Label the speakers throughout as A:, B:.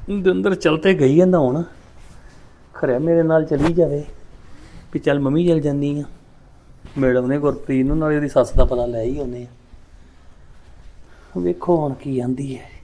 A: ਦਵਿੰਦਰ ਚੱਲ ਤੇ ਗਈ ਆ ਨਹਾਉਣ ਖਰਿਆ ਮੇਰੇ ਨਾਲ ਚਲੀ ਜਾਵੇ ਵੀ ਚੱਲ ਮੰਮੀ ਚੱਲ ਜਾਂਦੀ ਆ ਮੈਡਮ ਨੇ ਗੁਰਪ੍ਰੀਤ ਨੂੰ ਨਾਲੇ ਉਹਦੀ ਸੱਸ ਦਾ ਪਤਾ ਲੈ ਹੀ ਆਉਂਦੇ ਆ ਵੇਖੋ ਹੁਣ ਕੀ ਆਂਦੀ ਹੈ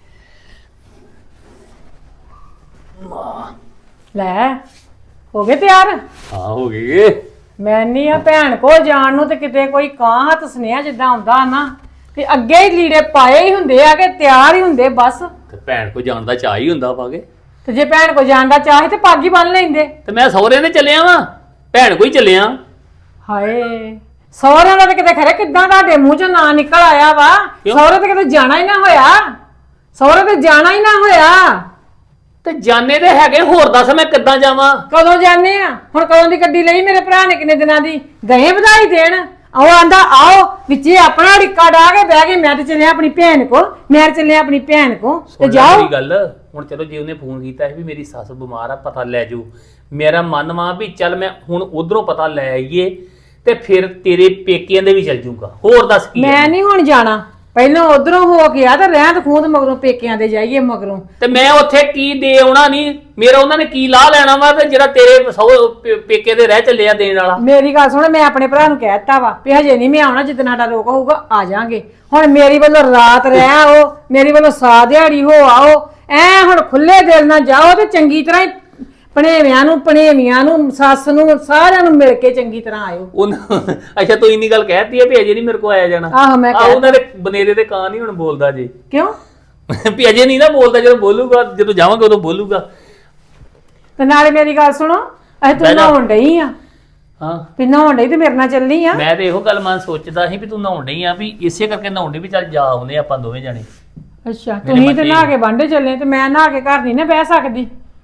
B: ਲੈ ਹੋ ਗਏ ਤਿਆਰ
A: ਹਾਂ ਹੋ ਗਈ
B: ਮੈਂ ਨਹੀਂ ਆ ਭੈਣ ਕੋ ਜਾਣ ਨੂੰ ਤੇ ਕਿਤੇ ਕੋਈ ਕਾਂ ਹੱਥ ਸੁਨੇਹਾ ਜਿੱਦਾਂ ਆਉਂਦਾ ਨਾ ਤੇ ਅੱਗੇ ਹੀ ਲੀੜੇ ਪਾਏ ਹੀ ਹੁੰਦੇ ਆ ਕਿ ਤਿਆਰ ਹੀ ਹੁੰਦੇ ਬਸ
A: ਤੇ ਭੈਣ ਕੋ ਜਾਣ ਦਾ ਚਾਹ ਹੀ ਹੁੰਦਾ ਪਾਗੇ
B: ਤੇ ਜੇ ਭੈਣ ਕੋ ਜਾਣ ਦਾ ਚਾਹੇ ਤੇ ਪੱਗ ਹੀ ਬੰਨ ਲੈਂਦੇ
A: ਤੇ ਮੈਂ ਸਹੁਰੇ ਨੇ ਚੱਲਿਆ ਵਾਂ ਭੈਣ ਕੋ ਹੀ ਚੱਲਿਆ
B: ਹਾਏ ਸਹੁਰਿਆਂ ਦਾ ਤੇ ਕਿਤੇ ਖਰੇ ਕਿੱਦਾਂ ਤੁਹਾਡੇ ਮੂੰਹ ਚੋਂ ਨਾਂ ਨਿਕਲ ਆਇਆ ਵਾ ਸਹੁਰੇ ਤੇ ਕਿਤੇ ਜਾਣਾ ਹੀ ਨਾ ਹੋਇਆ ਸਹੁਰੇ ਤੇ ਜਾਣਾ ਹੀ ਨਾ ਹੋਇਆ
A: ਤੇ ਜਾਣੇ ਤੇ ਹੈਗੇ ਹੋਰ ਦੱਸ ਮੈਂ ਕਿੱਦਾਂ ਜਾਵਾਂ
B: ਕਦੋਂ ਜਾਣੇ ਆ ਹੁਣ ਕਦੋਂ ਦੀ ਗੱਡੀ ਲਈ ਮੇਰੇ ਭਰਾ ਨੇ ਕਿੰਨੇ ਦਿਨਾਂ ਦੀ ਗਏ ਵਧਾਈ ਦੇਣ ਉਹ ਆਂਦਾ ਆਓ ਵਿੱਚੇ ਆਪਣਾ ੜਿੱਕਾ ਡਾ ਕੇ ਬਹਿ ਗਏ ਮੈਂ ਤੇ ਚੱਲਿਆ ਆਪਣੀ ਭੈਣ ਕੋ ਮੈਂ ਚੱਲਿਆ ਆਪਣੀ ਭੈਣ ਕੋ ਤੇ ਜਾਓ
A: ਗੱਲ ਹੁਣ ਚਲੋ ਜੇ ਉਹਨੇ ਫੋਨ ਕੀਤਾ ਸੀ ਵੀ ਮੇਰੀ ਸੱਸ ਬਿਮਾਰ ਆ ਪਤਾ ਲੈ ਜਾਓ ਮੇਰਾ ਮਨ ਵਾ ਵੀ ਚੱਲ ਮੈਂ ਹੁਣ ਉਧਰੋਂ ਪਤਾ ਲੈ ਆਈਏ ਤੇ ਫਿਰ ਤੇਰੇ ਪੇਕਿਆਂ ਦੇ ਵੀ ਚੱਲ ਜੂਗਾ ਹੋਰ ਦੱਸ ਕੀ
B: ਮੈਂ ਨਹੀਂ ਹੁਣ ਜਾਣਾ ਪਹਿਲਾਂ ਉਧਰੋਂ ਹੋ ਗਿਆ ਤੇ ਰਹਿਤ ਖੂਦ ਮਗਰੋਂ ਪੇਕਿਆਂ ਦੇ ਜਾਈਏ ਮਗਰੋਂ
A: ਤੇ ਮੈਂ ਉੱਥੇ ਕੀ ਦੇ ਆਉਣਾ ਨਹੀਂ ਮੇਰਾ ਉਹਨਾਂ ਨੇ ਕੀ ਲਾਹ ਲੈਣਾ ਵਾ ਤੇ ਜਿਹੜਾ ਤੇਰੇ ਪੇਕੇ ਦੇ ਰਹਿ ਚੱਲਿਆ ਦੇਣ ਵਾਲਾ
B: ਮੇਰੀ ਗੱਲ ਸੁਣ ਮੈਂ ਆਪਣੇ ਭਰਾ ਨੂੰ ਕਹਿ ਦਿੱਤਾ ਵਾ ਵੀ ਹਜੇ ਨਹੀਂ ਮੈਂ ਆਉਣਾ ਜਿੱਦਣ ਸਾਡਾ ਰੋਕ ਹੋਊਗਾ ਆ ਜਾਾਂਗੇ ਹੁਣ ਮੇਰੀ ਵੱਲੋਂ ਰਾਤ ਰਹਿ ਆਓ ਮੇਰੀ ਵੱਲੋਂ ਸਾ ਦਿਹਾੜੀ ਹੋ ਆਓ ਐ ਹੁਣ ਖੁੱਲੇ ਦਿਲ ਨਾਲ ਜਾਓ ਤੇ ਚੰਗੀ ਤਰ੍ਹਾਂ ਭਣੇਵੀਆਂ ਨੂੰ ਸੱਸ ਨੂੰ ਸਾਰਿਆਂ ਨੂੰ ਮਿਲ ਕੇ ਚੰਗੀ ਤਰ੍ਹਾਂ ਆਇਓ
A: ਅੱਛਾ ਤੂੰ ਇੰਨੀ ਗੱਲ ਕਹਿਤੀ ਹੈ ਵੀ ਅਜੇ ਨਹੀਂ ਮੇਰੇ ਕੋਲ ਆਇਆ ਜਾਣਾ
B: ਆਹੋ ਮੈਂ
A: ਉਹਨਾਂ ਦੇ ਬਨੇਰੇ ਦੇ ਕਾਂ ਨਹੀਂ ਹੁਣ ਬੋਲਦਾ ਜੀ
B: ਕਿਉਂ
A: ਵੀ ਅਜੇ ਨਹੀਂ ਨਾ ਬੋਲਦਾ ਜਦੋਂ ਬੋਲੂਗਾ ਜਦੋਂ ਜਾਵਾਂਗੇ ਉਦੋਂ ਬੋਲੂਗਾ
B: ਤੇ ਨਾਲੇ ਮੇਰੀ ਗੱਲ ਸੁਣੋ ਅਸੀਂ ਤੂੰ ਨਹਾਉਣ ਡਈ ਆ
A: ਹਾਂ
B: ਵੀ ਨਹਾਉਣ ਡਈ ਤੇ ਮੇਰੇ ਨਾਲ ਚੱਲਣੀ ਆ
A: ਮੈਂ ਤੇ ਇਹੋ ਗੱਲ ਮਨ ਸੋਚਦਾ ਸੀ ਵੀ ਤੂੰ ਨਹਾਉਣ ਡਈ ਆ ਵੀ ਇਸੇ ਕਰਕੇ ਨਹਾਉਣ ਡਈ ਵੀ ਚੱਲ ਜਾ ਆਉਨੇ ਆਪਾਂ ਦੋਵੇਂ ਜਾਣੇ
B: ਅੱਛਾ ਤੁਸੀਂ ਤੇ ਨਹਾ ਕੇ ਵਾਂਢੇ ਚੱਲੇ ਤੇ ਮੈਂ ਨਹਾ ਕੇ ਘਰ ਨਹੀਂ ਨਾ ਬਹਿ ਸਕਦੀ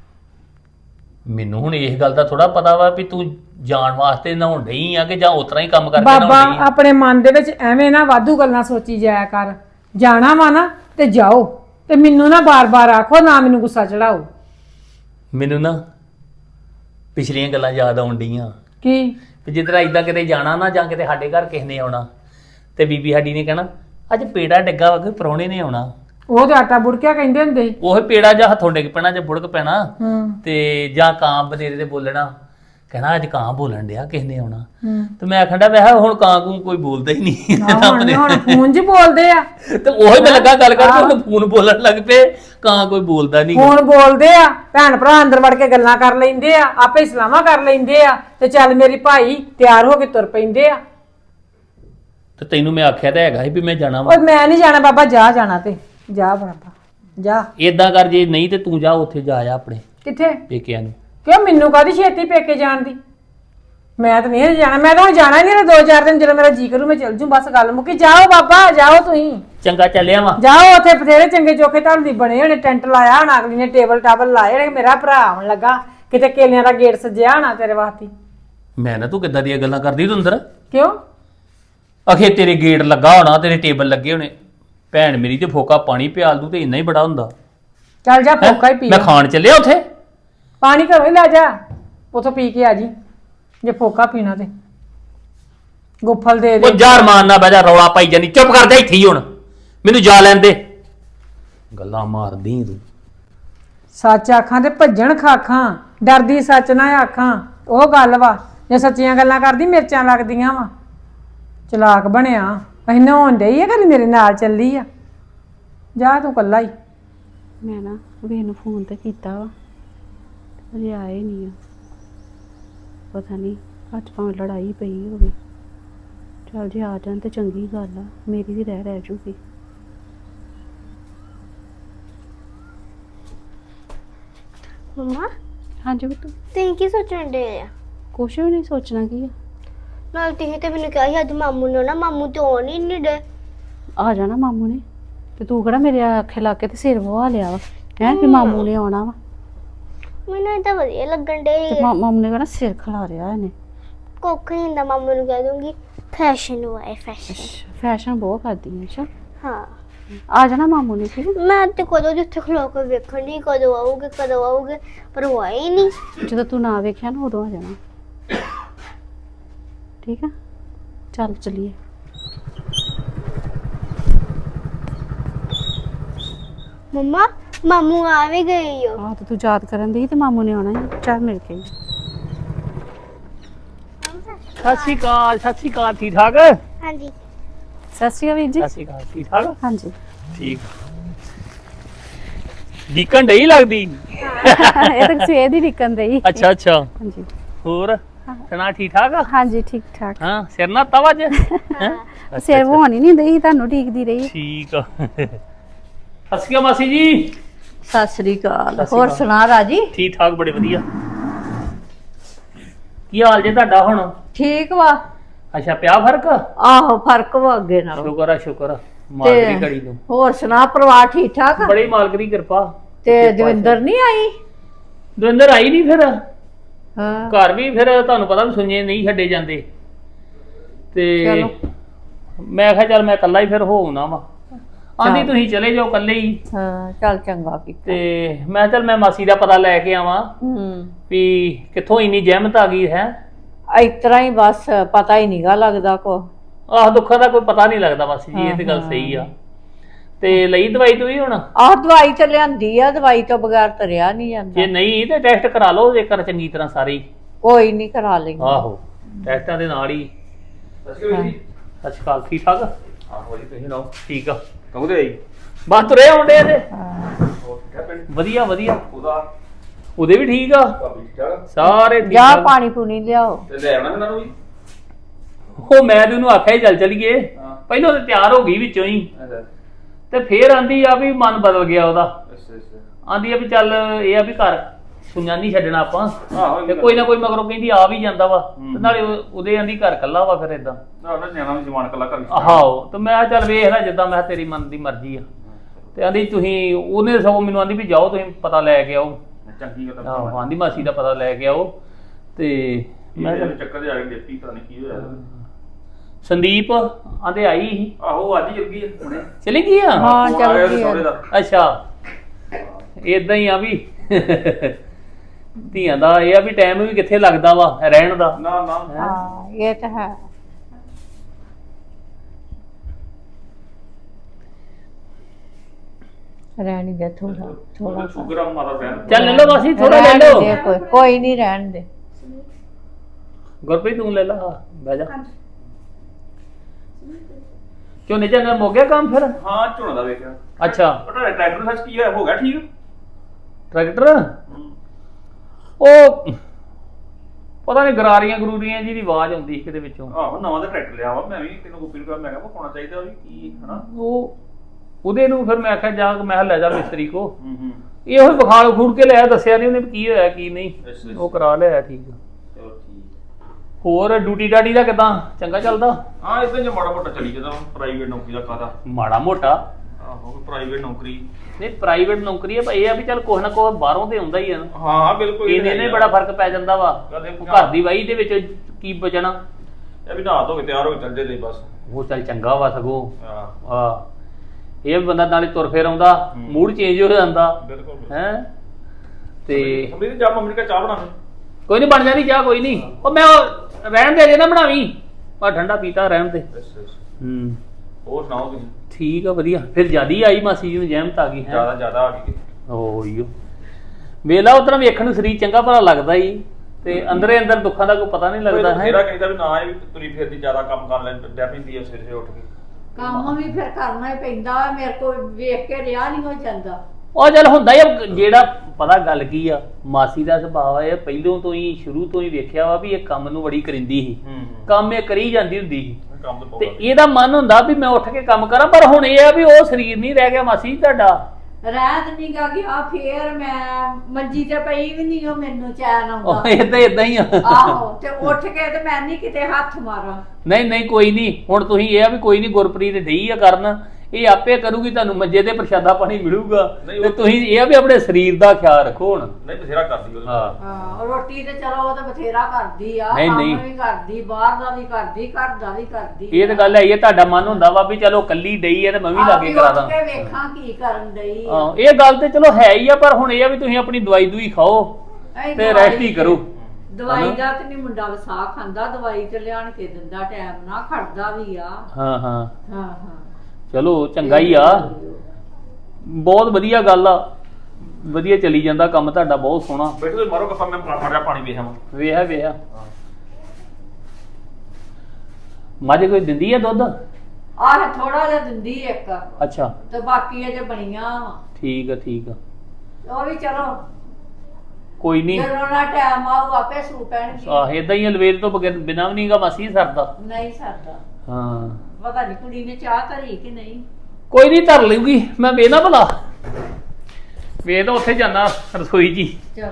A: ਮੈਨੂੰ ਹੁਣ ਇਸ ਗੱਲ ਦਾ ਥੋੜਾ ਪਤਾ ਵਾ ਵੀ ਤੂੰ ਜਾਣ ਵਾਸਤੇ ਨਹਾਉਣ ਡਈ ਆ ਕਿ ਜਾਂ ਉਤਰਾ ਹੀ ਕੰਮ ਕਰਕੇ
B: ਬਾਬਾ
A: ਨਹਾਉਣ ਡਈ ਆ
B: ਆਪਣੇ ਮਨ ਦੇ ਵਿੱਚ ਐਵੇਂ ਨਾ ਵਾਧੂ ਗੱਲਾਂ ਸੋਚੀ ਜਾਇਆ ਕਰ ਜਾਣਾ ਵਾ ਨਾ ਤੇ ਜਾਓ ਤੇ ਮੈਨੂੰ ਨਾ ਬਾਰ-ਬਾਰ ਆਖੋ ਨਾ ਮੈਨੂੰ ਗੁੱਸਾ ਚੜਾਓ
A: ਮੈਨੂੰ ਨਾ ਪਿਛਲੀਆਂ ਗੱਲਾਂ ਯਾਦ ਆਉਣ ਡਈਆਂ
B: ਕੀ
A: ਵੀ ਜਿੱਦਾਂ ਇਦਾਂ ਕਿਤੇ ਜਾਣਾ ਨਾ ਜਾਂ ਕਿਤੇ ਸਾਡੇ ਘਰ ਕਿਸੇ ਨੇ ਆਉਣਾ ਤੇ ਬੀਬੀ ਸਾਡੀ ਨੇ ਕਹਿਣਾ ਅੱਜ ਪੇੜਾ ਡੱਗਾ ਵਾ ਕੋਈ ਪ੍ਰਾਹੁਣੇ ਨੇ ਆਉਣਾ
B: ਉਹ ਤੇ ਆਟਾ ਬੁੜਕਿਆ ਕਹਿੰਦੇ ਹੁੰਦੇ
A: ਉਹ ਪੇੜਾ ਜਾਂ ਹੱਥੋਂ ਡਿੱਗ ਪੈਣਾ ਜਾਂ ਬੁੜਕ ਪੈਣਾ
B: ਹੂੰ
A: ਤੇ ਜਾਂ ਕਾਂ ਬਨੇਰੇ ਤੇ ਬੋਲਣਾ ਕਹਿਣਾ ਅੱਜ ਕਾਂ ਬੋਲਣ ਡਿਆ ਕਿਸੇ ਨੇ ਆਉਣਾ
B: ਹੂੰ
A: ਤੇ ਮੈਂ ਆਖੰਡਾ ਵੈਸੇ ਹੁਣ ਕਾਂ ਕੂੰ ਕੋਈ ਬੋਲਦਾ ਹੀ ਨਹੀਂ
B: ਹੁਣ ਫੋਨ 'ਚ ਬੋਲਦੇ ਆ
A: ਤੇ ਉਹੀ ਮੈਂ ਲੱਗਾ ਗੱਲ ਕਰਕੇ ਉਹਨੂੰ ਫੋਨ ਬੋਲਣ ਲੱਗ ਪਏ ਕਾਂ ਕੋਈ ਬੋਲਦਾ ਨਹੀਂ
B: ਫੋਨ ਬੋਲਦੇ ਆ ਭੈਣ ਭਰਾ ਅੰਦਰ ਵੜ ਕੇ ਗੱਲਾਂ ਕਰ ਲੈਂਦੇ ਆ ਆਪੇ ਸਲਾਮਾਂ ਕਰ ਲੈਂਦੇ ਆ ਤੇ ਚੱਲ ਮੇਰੀ ਭਾਈ ਤਿਆਰ ਹੋ ਕੇ ਤੁਰ ਪੈਂਦੇ ਆ
A: ਤੇ ਤੈਨੂੰ ਮੈਂ ਆਖਿਆ ਤਾਂ ਹੈਗਾ ਸੀ ਵੀ ਮੈਂ ਜਾਣਾ ਵਾ
B: ਓਏ ਮੈਂ ਨਹੀਂ ਜਾਣਾ ਬਾਬਾ ਜਾਣਾ ਤੇ ਜਾ ਬਾਬਾ ਜਾ
A: ਏਦਾਂ ਕਰ ਜੇ ਨਹੀਂ ਤੇ ਤੂੰ ਜਾ ਉੱਥੇ ਜਾ ਆ ਆਪਣੇ
B: ਕਿੱਥੇ
A: ਪੇਕਿਆਂ ਨੂੰ
B: ਕਿਉਂ ਮੈਨੂੰ ਕਾਹਦੀ ਛੇਤੀ ਪੇਕੇ ਜਾਣ ਦੀ ਮੈਂ ਤਾਂ ਨਹੀਂ ਜਾਣਾ ਮੈਂ ਤਾਂ ਹੁਣ ਜਾਣਾ ਹੀ ਨਹੀਂ 2-4 ਦਿਨ ਜਦੋਂ ਮੇਰਾ ਜੀ ਕਰੂ ਮੈਂ ਚੱਲ ਜੂ ਬਸ ਗੱਲ ਮੁੱਕੀ ਜਾਓ ਬਾਬਾ ਜਾਓ ਤੁਸੀਂ
A: ਚੰਗਾ ਚੱਲਿਆ ਵਾ
B: ਜਾਓ ਉੱਥੇ ਬਥੇਰੇ ਚੰਗੇ ਚੋਖੇ ਧਰਦੀ ਬਣੇ ਹੋਣੇ ਟੈਂਟ ਲਾਇਆ ਹੋਣਾ ਅਗਲੀ ਨੇ ਟੇਬਲ ਟਾਬਲ ਲਾਏ ਹੋਣੇ ਮੇਰਾ ਭਰਾ ਆਉਣ ਲੱਗਾ ਕਿਤੇ ਕੇਲਿਆਂ ਦਾ ਗੇਟ ਸੱਜਿਆ ਹੋਣਾ ਤੇਰੇ ਵਾਸਤੇ
A: ਮੈਂ ਨਾ ਤੂੰ ਕਿੱਦਾਂ ਦੀਆਂ ਗੱਲਾਂ ਕਰਦੀ ਤੂੰ ਅੰਦਰ
B: ਕਿਉਂ
A: ਅਖੇ ਤੇਰੇ ਗੇਟ ਲੱਗਾ ਹੋਣਾ ਤੇਰੇ ਟੇਬਲ ਲੱਗੇ ਹੋਣੇ ਭੈਣ ਮੇਰੀ ਤੇ ਫੋਕਾ ਪਾਣੀ ਪਿਆਲ ਦੂ ਤੇ ਇੰਨਾ ਹੀ ਬੜਾ ਹੁੰਦਾ
B: ਚੱਲ ਜਾ ਫੋਕਾ ਹੀ ਪੀ
A: ਮੈਂ ਖਾਣ ਚੱਲਿਆ ਉੱਥੇ
B: ਪਾਣੀ ਘਰੋਂ ਹੀ ਲੈ ਜਾ ਉਥੋਂ ਪੀ ਕੇ ਆ ਜੀ ਜੇ ਫੋਕਾ ਪੀਣਾ ਤੇ ਗੁੱਫਲ ਦੇ ਦੇ
A: ਉਹ ਯਾਰ ਮਾਰਨਾ ਬਹਿ ਜਾ ਰੌਲਾ ਪਾਈ ਜਾਨੀ ਚੁੱਪ ਕਰ ਜਾ ਇੱਥੇ ਹੀ ਹੁਣ ਮੈਨੂੰ ਜਾ ਲੈਣ ਦੇ ਗੱਲਾਂ ਮਾਰਦੀ ਤੂੰ
B: ਸੱਚ ਆਖਾਂ ਤੇ ਭੱਜਣ ਖਾਖਾਂ ਡਰਦੀ ਸੱਚ ਨਾ ਆਖਾਂ ਉਹ ਗੱਲ ਵਾ ਜੇ ਸੱਚੀਆਂ ਗੱਲਾਂ ਕਰਦੀ ਮਿਰਚਾਂ ਲੱਗਦੀਆਂ ਵਾ ਚਲਾਕ ਬਣਿਆ ਅਸੀਂ ਨਹਾਉਣ ਡਈ ਆ ਘਰੇ ਮੇਰੇ ਨਾਲ ਚੱਲੀ ਆ ਜਾ ਤੂੰ ਕੱਲਾ ਹੀ
C: ਮੈਂ ਨਾ ਵੇ ਨੂੰ ਫੋਨ ਤੇ ਕੀਤਾ ਵਾ ਅਜੇ ਆਏ ਨਹੀਂ ਆ ਪਤਾ ਨਹੀਂ ਅੱਜ ਭਾਵੇਂ ਲੜਾਈ ਪਈ ਹੋਵੇ ਚੱਲ ਜੇ ਆ ਜਾਣ ਤੇ ਚੰਗੀ ਗੱਲ ਆ ਮੇਰੀ ਵੀ ਰਹਿ ਜੂਗੀ
D: ਮੰਮਾ
C: ਹਾਂਜੀ ਬੁੱਤ
D: ਤੁਸੀਂ ਕੀ ਸੋਚਣ ਦੇ ਆ
C: ਕੁਛ ਵੀ ਨਹੀਂ ਸੋਚਣਾ ਕੀ ਆ
D: ਨਾਲ ਤੁਸੀਂ ਤੇ ਮੈਨੂੰ ਕਿਹਾ ਸੀ ਅੱਜ ਮਾਮੂ ਨੇ ਨਾ ਮਾਮੂ ਤੇ ਆਉਣ ਹੀ ਨਹੀਂ ਡੇ
C: ਆ ਜਾਣਾ ਮਾਮੂ ਨੇ ਤੇ ਤੂੰ ਕਿਹੜਾ ਮੇਰੇ ਆਖੇ ਲਾ ਕੇ ਤੇ ਸਿਰ ਵਹਾ ਲਿਆ ਵਾ ਹੈ ਵੀ ਮਾਮੂ ਨੇ ਆਉਣਾ ਵਾ
D: ਮੈਨੂੰ ਤਾਂ ਵਧੀਆ ਲੱਗਣ ਡੇ
C: ਤੇ ਮਾਮੂ ਨੇ ਕਹਿਣਾ ਸਿਰ ਖਿਲਾ ਰਿਹਾ ਇਹਨੇ
D: ਕੁੱਖ ਨਹੀਂ ਹੁੰਦਾ ਮਾਮੂ ਨੂੰ ਕਹਿ ਦੂੰਗੀ ਫੈਸ਼ਨ ਵਾਏ ਫੈਸ਼ਨ
C: ਫੈਸ਼ਨ ਬਹੁਤ ਕਰਦੀ ਹੈ ਅੱਛਾ
D: ਹਾਂ
C: ਆ ਜਾਣਾ ਮਾਮੂ ਨੇ ਠੀਕ
D: ਮੈਂ ਤੇ ਕਦੋਂ ਜਿੱਥੇ ਖਲੋ ਕੇ ਵੇਖਣ ਨਹੀਂ ਕਦੋਂ ਆਉਗੇ ਪਰ ਉਹ ਆਏ ਹੀ ਨਹੀਂ
C: ਜਦੋਂ ਤੂੰ ਨਾ ਵੇਖਿਆ ਨਾ ਉਦੋਂ ਆ ਜਾਣਾ ਠੀਕ ਆ ਚੱਲ ਚਲੀਏ
D: ਮੰਮਾ ਮਾਮੂ ਆ ਵੀ ਗਏ ਹੋ।
C: ਆਹ ਤੇ ਤੂੰ ਯਾਦ ਕਰਨ ਦੀ ਤੇ ਮਾਮੂ ਨੇ ਆਉਣਾ ਸੀ। ਚੱਲ ਮਿਲ ਕੇ ਆਈ।
A: ਸਤਿ ਸ਼੍ਰੀ ਅਕਾਲ ਠੀਕ ਠਾਕ?
D: ਹਾਂਜੀ
C: ਸਤਿ ਸ਼੍ਰੀ ਅਕਾਲ ਵੀਰ ਜੀ।
A: ਸਤਿ ਸ਼੍ਰੀ ਅਕਾਲ ਠੀਕ ਠਾਕ?
C: ਹਾਂਜੀ
A: ਠੀਕ ਦੀਕਣ ਡਈ ਲੱਗਦੀ।
C: ਇਹ ਤਾਂ ਸਵੇਰ ਦੀ ਨਿਕਲ ਰਹੀ।
A: ਅੱਛਾ
C: ਹਾਂਜੀ
A: ਹੋਰ ਸੁਣਾ ਠੀਕ ਠਾਕ ਆ?
C: ਹਾਂਜੀ ਠੀਕ ਠਾਕ।
A: ਹਾਂ ਸਿਰ ਨਾ ਤਵਾ ਅੱਜ ਹੈਂ?
C: ਸਿਰ ਹੋਣੀ ਨਹੀਂ ਦਈ ਤੁਹਾਨੂੰ ਠੀਕਦੀ ਰਹੀ।
A: ਠੀਕ ਆ। ਸਤਿ ਸ਼੍ਰੀ ਅਕਾਲ ਮਾਸੀ ਜੀ।
E: ਸਤਿ ਸ੍ਰੀ ਅਕਾਲ।
A: ਸਤਿ ਸ੍ਰੀ
E: ਹੋਰ
A: ਅਕਾਲ।
E: ਸੁਣਾ ਰਾਜੀ?
A: ਠੀਕ ਠਾਕ ਬੜੇ ਵਧੀਆ। ਕੀ ਹਾਲ ਜੇ ਤੁਹਾਡਾ ਹੁਣ?
E: ਠੀਕ ਵਾ।
A: ਅੱਛਾ ਪਿਆ ਫਰਕ?
E: ਆਹੋ ਫਰਕ ਵਾ ਅੱਗੇ ਨਾਲੋਂ।
A: ਸ਼ੁਕਰ ਆ ਮਾਲਕ ਦੀ ਘੜੀ ਨੂੰ।
E: ਹੋਰ ਸੁਣਾ ਪਰਿਵਾਰ ਠੀਕ ਠਾਕ ਆ?
A: ਬੜੀ ਮਾਲਕ ਦੀ ਕਿਰਪਾ।
E: ਤੇ ਦਵਿੰਦਰ ਨਹੀਂ ਆਈ?
A: ਦਵਿੰਦਰ ਆਈ ਨਹੀਂ ਫਿਰ
E: ਹਾਂ
A: ਘਰ ਵੀ ਫਿਰ ਤੁਹਾਨੂੰ ਪਤਾ ਵੀ ਸੁਣਨੇ ਨਹੀਂ ਛੱਡੇ ਜਾਂਦੇ ਤੇ
E: ਚਲੋ।
A: ਮੈਂ ਕਿਹਾ ਚੱਲ ਮੈਂ ਇਕੱਲਾ ਹੀ ਫਿਰ ਹੋਉਣਾ ਵਾ। ਆਂਦੀ
E: ਚੱਲ।
A: ਤੁਸੀਂ ਚਲੇ ਜਾਓ ਇਕੱਲੇ ਹੀ।
E: ਹਾਂ ਚੱਲ ਚੰਗਾ ਕੀਤਾ।
A: ਤੇ ਮੈਂ ਕਿਹਾ ਚੱਲ ਮੈਂ ਮਾਸੀ ਦਾ ਪਤਾ ਲੈ ਕੇ ਆਵਾਂ ਵੀ ਕਿੱਥੋਂ ਇੰਨੀ ਜ਼ਹਿਮਤ ਆ ਗਈ ਹੈ।
E: ਇਸ ਤਰ੍ਹਾਂ ਹੀ ਬਸ ਪਤਾ ਹੀ ਨਹੀਂਗਾ ਲੱਗਦਾ ਕੋ।
A: ਆਹ ਦੁੱਖਾਂ ਦਾ ਕੋਈ ਪਤਾ ਨਹੀਂ ਲੱਗਦਾ ਮਾਸੀ ਜੀ, ਇਹ ਤੇ ਗੱਲ ਸਹੀ ਆ। ਤੇ ਲਈ ਦਵਾਈ ਤੂੰ ਹੁਣ?
E: ਆਹ ਦਵਾਈ ਤੇ ਲਿਆਂਦੀ ਆ, ਦਵਾਈ ਤੋਂ ਬਗੈਰ ਤਰਿਆ ਨਹੀਂ ਜਾਂਦਾ।
A: ਜੇ ਨਹੀਂ ਤੇ ਟੈਸਟ ਕਰਾ ਲਓ ਜੇਕਰ ਚੰਗੀ ਤਰ੍ਹਾਂ ਸਾਰੇ।
E: ਕੋਈ ਨਹੀਂ ਕਰਾ ਲੈਂਗੇ।
A: ਆਹੋ ਟੈਸਟਾਂ ਦੇ ਨਾਲ ਹੀ। ਸਤਿ ਸ਼੍ਰੀ ਅਕਾਲ ਠੀਕ ਠਾਕ?
F: ਆਹੋ ਜੀ ਤੁਸੀਂ ਸੁਣਾਓ
A: ਠੀਕ ਆ
F: ਕਹੋ ਤੇ ਆਈ
A: ਬਸ ਤੁਰੇ ਆਉਂਦੇ ਇਹਦੇ।
F: ਹੋਰ ਠੀਕ ਠਾਕ ਪਿੰਡ?
A: ਵਧੀਆ
F: ਉਹਦਾ
A: ਉਹਦੇ ਵੀ ਠੀਕ ਆ
F: ਭਾਬੀ ਠੀਕ ਠਾਕ
A: ਸਾਰੇ ਠੀਕ
E: ਜਾ
A: ਠਾਕ।
E: ਪਾਣੀ ਪੂਣੀ ਲਿਆਓ।
F: ਤੇ ਲੈ ਆਉਣਾ ਇਹਨਾਂ ਨੂੰ ਵੀ?
A: ਉਹ ਮੈਂ ਤੇ ਉਹਨੂੰ ਆਖਿਆ ਹੀ ਚੱਲ ਚਲੀਏ।
F: ਹਾਂ।
A: ਪਹਿਲਾਂ ਤੇ ਤਿਆਰ ਹੋ ਗਈ ਵਿੱਚੋਂ ਹੀ
F: ਅੱਛਾ
A: ਤੇ ਫੇਰ ਆਂਦੀ ਆ ਵੀ ਮਨ ਬਦਲ ਗਿਆ ਉਹਦਾ।
F: ਅੱਛਾ
A: ਆਂਦੀ ਆ ਵੀ ਚੱਲ ਇਹ ਆ ਵੀ ਘਰ ਸੁਣਿਆ ਨਹੀਂ ਛੱਡਣਾ ਆਪਾਂ
F: ਆਹੋ
A: ਤੇ ਕੋਈ ਨਾ ਕੋਈ ਮਗਰੋਂ ਕਹਿੰਦੀ ਆ ਵੀ ਜਾਂਦਾ ਵਾ
F: ਹੂੰ।
A: ਤੇ ਨਾਲੇ ਉਹਦੇ ਆਂਦੀ ਘਰ ਕੱਲਾ ਵਾ ਫਿਰ ਇਦਾਂ।
F: ਨਾ ਨਿਆਣਾ ਵੀ ਜਵਾਨ ਕੱਲਾ ਕਰ
A: ਆਹੋ ਤੇ ਮੈਂ ਕਿਹਾ ਚੱਲ ਵੇਖ ਲੈ ਜਿੱਦਾਂ ਮੈਂ ਕਿਹਾ ਤੇਰੀ ਮਨ ਦੀ ਮਰਜ਼ੀ ਆ। ਤੇ ਆਂਦੀ ਤੁਸੀਂ ਉਹਨੇ ਸਗੋਂ ਮੈਨੂੰ ਆਂਦੀ ਵੀ ਜਾਓ ਤੁਸੀਂ ਪਤਾ ਲੈ ਕੇ ਆਓ।
F: ਚੰਗੀ ਗੱਲ
A: ਆਹੋ ਆਂਦੀ ਮਾਸੀ ਦਾ ਪਤਾ ਲੈ ਕੇ ਆਓ ਤੇ ਮੈਂ
F: ਮੈਂ ਚੱਕਰ ਦੇ ਆ ਕੇ ਦੇਖੀ ਪਤਾ ਨਹੀਂ ਕੀ ਹੋਇਆ।
A: ਸੰਦੀਪ ਆਂਦੇ ਆਈ ਸੀ।
F: ਆਹੋ ਅੱਜ ਹੀ ਚਲ ਗਈ ਆ ਹੁਣੇ।
A: ਚਲੀ ਗਈ ਆ?
E: ਹਾਂ
F: ਫੋਨ
E: ਚੱਲ
F: ਆਇਆ
E: ਗਈ
F: ਸਹੁਰੇ
E: ਆ।
F: ਦਾ।
A: ਅੱਛਾ ਇਦਾਂ ਹੀ ਆ ਵੀ ਧੀਆਂ ਦਾ ਇਹ ਆ ਵੀ ਟਾਈਮ ਵੀ ਕਿੱਥੇ ਲੱਗਦਾ ਵਾ ਰਹਿਣ ਦਾ।
F: ਨਾ ਨਾ
E: ਹਾਂ ਇਹ ਤਾਂ ਹੈ। ਰਹਿਣੀ ਦੇ ਥੋੜਾ ਥੋੜਾ
F: ਸ਼ੂਗਰ ਆ ਮਾਰਾ ਰਹਿਣ।
A: ਚੱਲ ਲੈ ਲਓ ਮਾਸੀ ਥੋੜਾ ਲੈ
E: ਰਹਿਣ
A: ਲਓ।
E: ਦੇ, ਕੋਈ ਨਹੀਂ ਰਹਿਣ ਦੇ।
A: ਗੁਰਪ੍ਰੀਤ ਤੂੰ ਲੈ ਲਾ ਬਹਿ ਜਾ। ਝੋਨੇ ਝਾਨੇ ਮੁੱਕ ਗਿਆ ਕੰਮ ਫਿਰ?
F: ਹਾਂ ਝੋਨਾ ਦਾ ਵੇਖਿਆ।
A: ਅੱਛਾ
F: ਤੁਹਾਡਾ ਟਰੈਕਟਰ ਸੱਚ ਕੀ ਹੋਇਆ, ਹੋ ਗਿਆ ਠੀਕ?
A: ਟਰੈਕਟਰ ਉਹ ਪਤਾ ਨਹੀਂ ਗਰਾਰੀਆਂ ਗਰੂਰੀਆਂ ਜੀ ਦੀ ਆਵਾਜ਼ ਆਉਂਦੀ ਸੀ ਕਿਤੇ ਵਿੱਚੋਂ।
F: ਆਹੋ ਨਵਾਂ ਦਾ ਟਰੈਕਟਰ ਲਿਆ ਵਾ ਮੈਂ ਵੀ ਤੈਨੂੰ ਗੋਪੀ ਨੂੰ ਕਿਹਾ ਮੈਂ ਕਿਹਾ ਪਾਉਣਾ ਚਾਹੀਦਾ ਵੀ ਕੀ ਹਨਾ।
A: ਉਹ ਉਹਦੇ ਨੂੰ ਫਿਰ ਮੈਂ ਆਖਿਆ ਜਾ ਕੇ ਮੈਂ ਕਿਹਾ ਲੈ ਜਾ ਮਿਸਤਰੀ ਕੋ।
F: ਹੂੰ
A: ਇਹੋ ਹੀ ਬਖਾਲ ਖੂੜ ਕੇ ਲਿਆ, ਦੱਸਿਆ ਨਹੀਂ ਉਹਨੇ ਵੀ ਕੀ ਹੋਇਆ ਕੀ ਨਹੀਂ।
F: ਅੱਛਾ।
A: ਉਹ ਕਰਾ ਲਿਆ ਠੀਕ ਆ।
F: ਚਲੋ ਠੀਕ।
A: ਹੋਰ ਡਿਊਟੀ ਡਾਡੀ ਦਾ ਕਿਦਾਂ ਚੰਗਾ ਚੱਲਦਾ?
F: ਹਾਂ ਇਦਾਂ ਜਿਹਾ ਮਾੜਾ ਮੋਟਾ ਚੱਲੀ ਜਾਂਦਾ ਪ੍ਰਾਈਵੇਟ ਨੌਕਰੀ ਦਾ ਕਾਦਾ।
A: ਮਾੜਾ ਮੋਟਾ
F: ਆਹੋ ਪ੍ਰਾਈਵੇਟ ਨੌਕਰੀ।
A: ਨਹੀਂ ਪ੍ਰਾਈਵੇਟ ਨੌਕਰੀ ਆ ਪਰ ਇਹ ਆ ਵੀ ਚੱਲ ਕੁਛ ਨਾ ਕੁਛ ਬਾਹਰੋਂ ਤੇ ਆਉਂਦਾ ਹੀ ਆ ਨਾ।
F: ਹਾਂ ਬਿਲਕੁਲ
A: ਇਹਨੇ ਨੇ ਬੜਾ ਫਰਕ ਪੈ ਜਾਂਦਾ ਵਾ।
F: ਕਦੇ
A: ਉਹ ਘਰ ਦੀ ਵਾਹੀ ਦੇ ਵਿੱਚ ਕੀ ਬਚਣਾ।
F: ਇਹ ਵੀ ਨਹਾ ਧੋ ਕੇ ਤਿਆਰ ਹੋ ਕੇ ਚੱਲ ਜੇ ਦੇ ਬਸ।
A: ਉਹ ਚੱਲ ਚੰਗਾ ਵਾ ਸਗੋਂ।
F: ਹਾਂ
A: ਆ ਇਹ ਬੰਦਾ ਨਾਲੇ ਤੁਰ ਫੇਰ ਆਉਂਦਾ, ਮੂਡ ਚੇਂਜ ਹੋ ਜਾਂਦਾ
F: ਬਿਲਕੁਲ
A: ਹੈ। ਤੇ
F: ਸਮਝੀ ਤੇ ਜਾ ਮੰਮੀ ਨੇ ਚਾਹ ਬਣਾ ਦੇ।
A: ਕੋਈ ਨਹੀਂ ਬਣ ਜਾਂਦੀ ਚਾਹ ਕੋਈ ਨਹੀਂ। ਉਹ ਮੈਂ ਉਹ ਰਹਿਣ ਦੇ ਜੇ ਨਾ ਬਣਾਵੀਂ ਪਰ ਠੰਡਾ ਪੀਤਾ ਰਹਿਣ ਦੇ। ਹੂੰ
F: ਹੋਰ ਸੁਣਾਓ ਤੁਸੀਂ?
A: ਠੀਕ ਆ ਵਧੀਆ। ਫਿਰ ਜਿਆਦੀ ਆਈ ਮਾਸੀ ਜੀ ਨੂੰ ਜ਼ਹਿਮਤ ਆ ਗਈ ਹੈ।
F: ਜ਼ਿਆਦਾ ਆ ਗਈ।
A: ਓਯੋ ਵੇਲਾ ਉਧਰ ਵੇਖਣ ਨੂੰ ਸਰੀਰ ਚੰਗਾ ਭਲਾ ਲੱਗਦਾ ਹੀ ਤੇ ਅੰਦਰੇ ਅੰਦਰ ਦੁੱਖਾਂ ਦਾ ਕੋਈ ਪਤਾ ਨਹੀਂ ਲੱਗਦਾ ਹੈ।
F: ਤੇਰਾ ਕਹਿੰਦਾ ਵੀ ਨਾ ਇਹ ਵੀ ਤੁਰੀ ਫਿਰਦੀ ਜ਼ਿਆਦਾ ਕੰਮ ਕਰ ਲੈਣ ਡੈ ਪੈਂਦੀ ਆ ਸਵੇਰੇ ਉੱਠ ਕੇ।
E: ਕੰਮ ਵੀ ਫਿਰ ਕਰਨਾ ਹੀ ਪੈਂਦਾ ਵਾ, ਮੇਰੇ ਕੋਲ ਵੇਖ ਕੇ ਰਿਹਾ ਨਹੀਂ ਹੋ ਜਾਂਦਾ।
A: ਉਹ ਚੱਲ ਹੁੰਦਾ ਹੀ ਆ, ਜਿਹੜਾ ਪਤਾ ਗੱਲ ਕੀ ਆ ਮਾਸੀ ਦਾ ਸੁਭਾਅ ਹੈ ਪਹਿਲੋਂ ਤੋਂ ਹੀ ਸ਼ੁਰੂ ਤੋਂ ਹੀ ਵੇਖਿਆ ਵਾ ਵੀ ਇਹ ਕੰਮ ਨੂੰ ਬੜੀ ਕਰਿੰਦੀ ਸੀ। ਕੰਮ ਇਹ ਕਰੀ ਜਾਂਦੀ ਹੁੰਦੀ ਸੀ
F: ਕੰਮ ਤਾਂ
A: ਤੇ
F: ਬਹੁਤ
A: ਇਹਦਾ ਮਨ ਹੁੰਦਾ ਵੀ ਮੈਂ ਉੱਠ ਕੇ ਕੰਮ ਕਰਾਂ। ਪਰ ਹੁਣ ਇਹ ਆ ਵੀ ਉਹ ਸਰੀਰ ਨਹੀਂ ਰਹਿ ਗਿਆ ਮਾਸੀ ਜੀ ਤੁਹਾਡਾ।
E: ਰਾਤ ਨਹੀਂ ਗਾ ਗਿਆ ਫੇਰ ਮੈਂ ਮੰਜੀ ਤੇ ਪਈ ਵੀ ਨਹੀਂ ਉਹ ਮੈਨੂੰ ਚੈਨ
A: ਉਹ
E: ਆਉਂਦਾ।
A: ਇਦਾਂ ਹੀ ਆ।
E: ਆਹੋ ਤੇ ਉੱਠ ਕੇ ਤੇ ਮੈਂ ਨਹੀਂ ਕਿਤੇ ਹੱਥ ਮਾਰਾਂ।
A: ਨਹੀਂ ਕੋਈ ਨਹੀਂ। ਹੁਣ ਤੁਸੀਂ ਇਹ ਆ ਵੀ ਕੋਈ ਨਹੀਂ ਗੁਰਪ੍ਰੀਤ ਢਈ ਆ ਕਰਨ, ਇਹ ਆਪੇ ਕਰੂਗੀ, ਤੁਹਾਨੂੰ ਮੰਜੇ ਤੇ ਪ੍ਰਸ਼ਾਦਾ ਪਾਣੀ ਮਿਲੂਗਾ।
F: ਨਹੀਂ
A: ਤੇ
F: ਉਹ-
A: ਤੁਸੀਂ ਇਹ ਆ ਵੀ ਆਪਣੇ ਸਰੀਰ ਦਾ ਖਿਆਲ ਰੱਖੋ ਹੁਣ।
F: ਨਹੀਂ ਬਥੇਰਾ ਕਰਦੀ ਉਹਦੇ
A: ਹਾਂ
E: ਹਾਂ ਰੋਟੀ ਤੇ ਚਲੋ ਉਹ ਤਾਂ ਬਥੇਰਾ ਕਰਦੀ ਆ,
A: ਨਹੀਂ,
E: ਕੰਮ
A: ਨਹੀਂ।
E: ਵੀ ਕਰਦੀ, ਬਾਹਰ ਦਾ ਵੀ ਕਰਦੀ, ਘਰ ਦਾ ਵੀ ਕਰਦੀ।
A: ਇਹ ਤਾਂ ਗੱਲ ਹੈ ਇਹ ਤੁਹਾਡਾ ਮਨ ਹੁੰਦਾ ਵਾ ਵੀ ਚਲੋ ਕੱਲੀ ਡਈ ਹੈ ਤੇ ਮੈਂ ਵੀ ਲਾਗੇ ਕਰਾ ਦਾਂ।
E: ਉੱਠ ਕੇ ਵੇਖਾਂ ਕੀ ਕਰਨ ਡਈ ਆ।
A: ਹਾਂ ਇਹ ਗੱਲ ਤੇ ਚਲੋ ਹੈ ਹੀ ਆ ਪਰ ਹੁਣ ਇਹ ਆ ਵੀ ਤੁਸੀਂ ਆਪਣੀ ਦਵਾਈ ਦੂਈ ਖਾਓ
E: ਅਸੀਂ
A: ਤੇ
E: ਦਵਾਈ-
A: ਰੈਸਟ ਹੀ ਕਰੋ।
E: ਦਵਾਈ ਦਾ ਤੇ ਨਹੀਂ ਮੁੰਡਾ ਵਸਾ ਖਾਂਦਾ, ਦਵਾਈ ਤੇ ਲਿਆਣ ਕੇ ਦਿੰਦਾ ਟਾਈਮ ਨਾਲ, ਖੜਦਾ ਵੀ ਆ।
A: ਹਾਂ
E: ਹਾਂ ਹਾਂ
A: ਚਲੋ ਚੰਗਾ ਹੀ ਆ, ਬਹੁਤ ਵਧੀਆ ਗੱਲ ਆ। ਵਧੀਆ ਚੱਲੀ ਜਾਂਦਾ ਕੰਮ ਤੁਹਾਡਾ ਬਹੁਤ ਸੋਹਣਾ।
F: ਬੈਠੋ ਤੇ ਮਾਰੋ ਗੱਪਾਂ, ਮੈਂ ਮਾੜਾ ਪਾਣੀ ਵੇਖਾਂ।
A: ਵੇਹਾ ਮੱਝ ਕੋਈ ਦਿੰਦੀ ਆ ਦੁੱਧ?
E: ਆਹ ਥੋੜਾ ਜਿਹਾ ਦਿੰਦੀ ਇੱਕ,
A: ਅੱਛਾ
E: ਤੇ ਬਾਕੀ ਅਜੇ ਬਣੀਆਂ ਵਾ।
A: ਠੀਕ ਆ
E: ਉਹ ਵੀ ਚਲੋ
A: ਕੋਈ ਨਹੀਂ।
E: ਜਦੋਂ ਨਾ ਟਾਈਮ ਆਊ ਆਪੇ ਸੂ ਪੈਣਗੇ।
A: ਆਹ ਇਦਾਂ ਹੀ ਅਲਵੇਲ ਤੋਂ ਬਗੈਰ ਬਿਨਾਂ ਵੀ ਨਹੀਂਗਾ ਮਾਸੀ ਸਰਦਾ।
E: ਨਹੀਂ ਸਰਦਾ।
A: ਹਾਂ
E: ਪਤਾ ਨਹੀਂ ਕੁੜੀ ਨੇ ਚਾਹ ਧਰੀ ਕਿ ਨਹੀਂ।
A: ਕੋਈ ਨਹੀਂ ਧਰ ਲਊਗੀ, ਮੈਂ ਵੇਖਦਾ ਭਲਾ। ਵੇਖਦਾ ਉੱਥੇ ਜਾਣਾ ਰਸੋਈ ਜੀ,
E: ਚਲੋ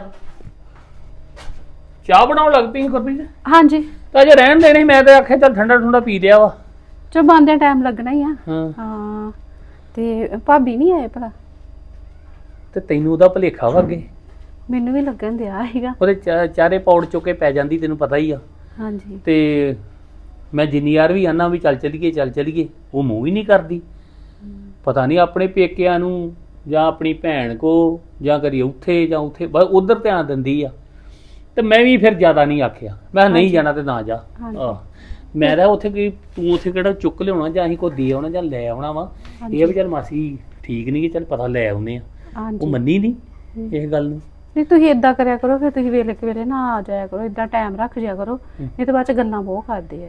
A: ਚਾਹ ਬਣਾਉਣ ਲੱਗ ਪਈ ਗੁਰਪ੍ਰੀਤ।
C: ਹਾਂਜੀ
A: ਤਾਂ ਅਜੇ ਰਹਿਣ ਦੇਣੀ, ਮੈਂ ਤਾਂ ਆਖਿਆ ਚੱਲ ਠੰਡਾ ਠੰਡਾ ਪੀ ਲਿਆ ਵਾ।
C: ਚੋ ਬੰਦਿਆਂ ਟਾਈਮ ਲੱਗਣਾ ਹੀ ਆ।
A: ਹਾਂ
C: ਹਾਂ ਤੇ ਭਾਬੀ ਨਹੀਂ ਆਏ ਭਲਾ?
A: ਤੇ ਤੈਨੂੰ ਉਹਦਾ ਭੁਲੇਖਾ ਵਾ ਅੱਗੇ,
C: ਮੈਨੂੰ ਵੀ ਲੱਗਣ ਦਿਆ ਸੀਗਾ।
A: ਉਹਦੇ ਚਾਰੇ ਪੌੜ ਚੁੱਕੇ ਪੈ ਜਾਂਦੀ, ਤੈਨੂੰ ਪਤਾ ਹੀ ਆ।
C: ਹਾਂਜੀ
A: ਤੇ ਮੈਂ ਜਿੰਨੀ ਵਾਰ ਵੀ ਆਨਾ ਵੀ ਚੱਲ ਚਲੀਏ, ਉਹ ਮੂੰਹ ਹੀ ਨਹੀਂ ਕਰਦੀ। ਪਤਾ ਨਹੀਂ ਆਪਣੇ ਪੇਕਿਆਂ ਨੂੰ ਜਾਂ ਆਪਣੀ ਭੈਣ ਕੋ ਜਾਂ ਕਰੀ ਉੱਥੇ ਜਾਂ ਉੱਥੇ ਬਸ ਉਧਰ ਧਿਆਨ ਦਿੰਦੀ ਆ। ਤੇ ਮੈਂ ਵੀ ਫਿਰ ਜ਼ਿਆਦਾ ਨਹੀਂ ਆਖਿਆ, ਮੈਂ ਨਹੀਂ ਜਾਣਾ ਤੇ ਨਾ ਜਾ। ਆਹ ਮੈਂ ਤਾਂ ਉੱਥੇ ਕੀ, ਤੂੰ ਉੱਥੇ ਕਿਹੜਾ ਚੁੱਕ ਲਿਆਉਣਾ ਜਾਂ ਅਸੀਂ ਕੋਈ ਦੇ ਆਉਣਾ ਜਾਂ ਲੈ ਆਉਣਾ ਵਾ। ਇਹ ਵੀ ਚੱਲ ਮਾਸੀ ਠੀਕ ਨਹੀਂ, ਚੱਲ ਪਤਾ ਲੈ ਆਉਨੇ ਆ। ਉਹ
C: ਹਾਂਜੀ
A: ਮੰਨੀ ਨਹੀਂ ਇਹ ਗੱਲ ਨੂੰ।
C: ਨਹੀਂ ਤੁਸੀਂ ਇਦਾਂ ਕਰਿਆ ਕਰੋ, ਫਿਰ ਤੁਸੀਂ ਵੇਲੇ ਕੁ ਵੇਲੇ ਨਾ ਆ ਜਾਇਆ ਕਰੋ, ਇਦਾਂ ਟਾਈਮ ਰੱਖ ਜਿਆ ਕਰੋ, ਨਹੀਂ ਤਾਂ ਬਾਅਦ ਚ ਗੱਲਾਂ ਬਹੁਤ ਕਰਦੇ ਆ।